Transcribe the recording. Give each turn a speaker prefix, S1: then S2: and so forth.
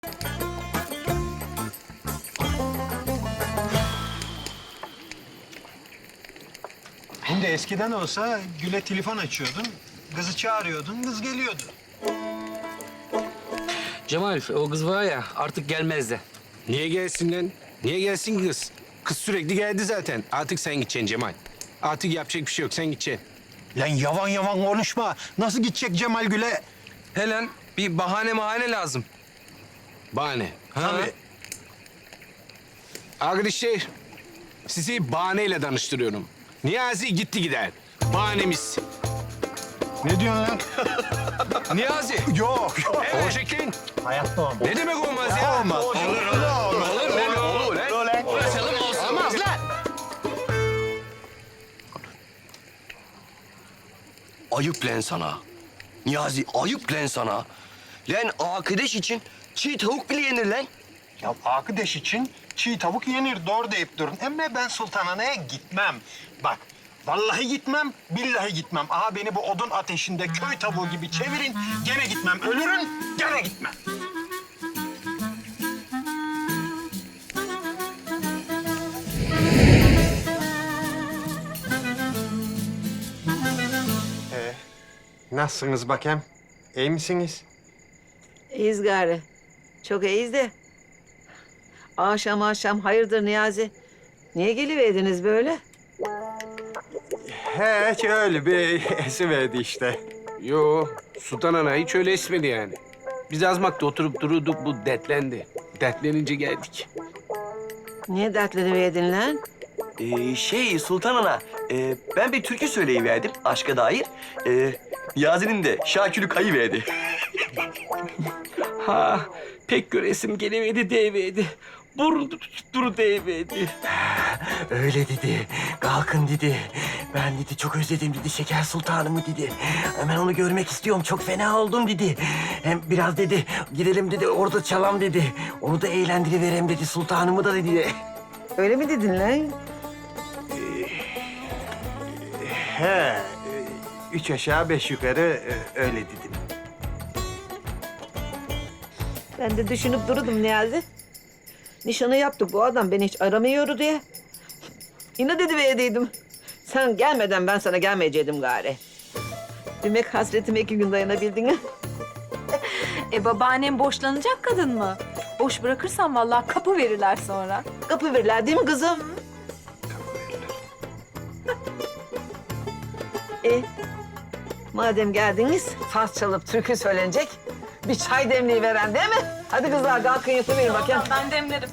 S1: Şimdi eskiden olsa Gül'e telefon açıyordun, kızı çağırıyordun, kız geliyordu.
S2: Cemal, o kız var ya artık gelmez de.
S3: Niye gelsin lan? Niye gelsin ki kız? Kız sürekli geldi zaten. Artık sen gideceksin Cemal. Artık yapacak bir şey yok. Sen gideceksin.
S1: Lan yavan yavan konuşma. Nasıl gidecek Cemal Gül'e?
S2: Helen, bir bahane lazım.
S3: Bahane.
S1: Tabii.
S3: Arkadaşlar, sizi bahaneyle tanıştırıyorum. Niyazi gitti gider. Bahanemiz.
S1: Ne diyorsun lan?
S2: Niyazi.
S1: Yok.
S3: Olacak lan.
S1: Hayatta olmaz.
S3: Ne demek olmaz ya?
S1: Olmaz.
S3: Olur lan.
S2: Uğraşalım olsun.
S3: Olmaz lan.
S4: Ayıp lan sana. Niyazi ayıp lan sana. Lan arkadaş için çiğ tavuk bile yenir lan.
S1: Ya arkadaş için çiğ tavuk yenir, doğru deyip durun. Ama ben Sultanhane'ye gitmem. Bak, vallahi gitmem, billahi gitmem. Aha beni bu odun ateşinde köy tavuğu gibi çevirin, gene gitmem. Ölürüm, gene gitmem. Nasılsınız bakayım? İyi misiniz?
S5: İyiyiz gari. Çok iyiyiz de. Akşam hayırdır Niyazi? Niye geliverdiniz böyle?
S1: Hiç öyle bir esiverdi işte.
S3: Yo, Sultan Ana hiç öyle esmedi yani. Biz azmakta oturup dururduk, bu dertlendi. Dertlenince geldik.
S5: Niye dertleniverdin lan?
S4: Sultan Ana, ben bir türkü söyleyiverdim aşka dair. Niyazi'nin de şakülü kayıverdi.
S2: Ha, pek göresim gelemedi deyiverdi. Burun tutuşturu deyiverdi.
S6: Öyle dedi. Kalkın dedi. Ben dedi çok özledim dedi Şeker Sultanımı dedi. Hemen onu görmek istiyorum. Çok fena oldum dedi. Hem biraz dedi gidelim dedi orada çalam dedi. Onu da eğlendiriverem dedi sultanımı da dedi.
S5: Öyle mi dedin lan?
S1: Üç aşağı beş yukarı öyle dedim.
S5: Ben de düşünüp dururdum Niyazi. Nişanı yaptık, bu adam beni hiç aramıyordu diye. İnat ediverdiydim. Sen gelmeden ben sana gelmeyecektim gari. Demek hasretime 2 gün dayanabildin ha?
S7: Babaannem boşlanacak kadın mı? Boş bırakırsan vallahi kapı verirler sonra.
S5: Kapı verirler değil mi kızım? Madem geldiniz, saz çalıp türkü söylenecek. Bir çay demliği veren değil mi? Hadi kızlar kalkın yapıverin bakayım.
S7: Ben demlerim.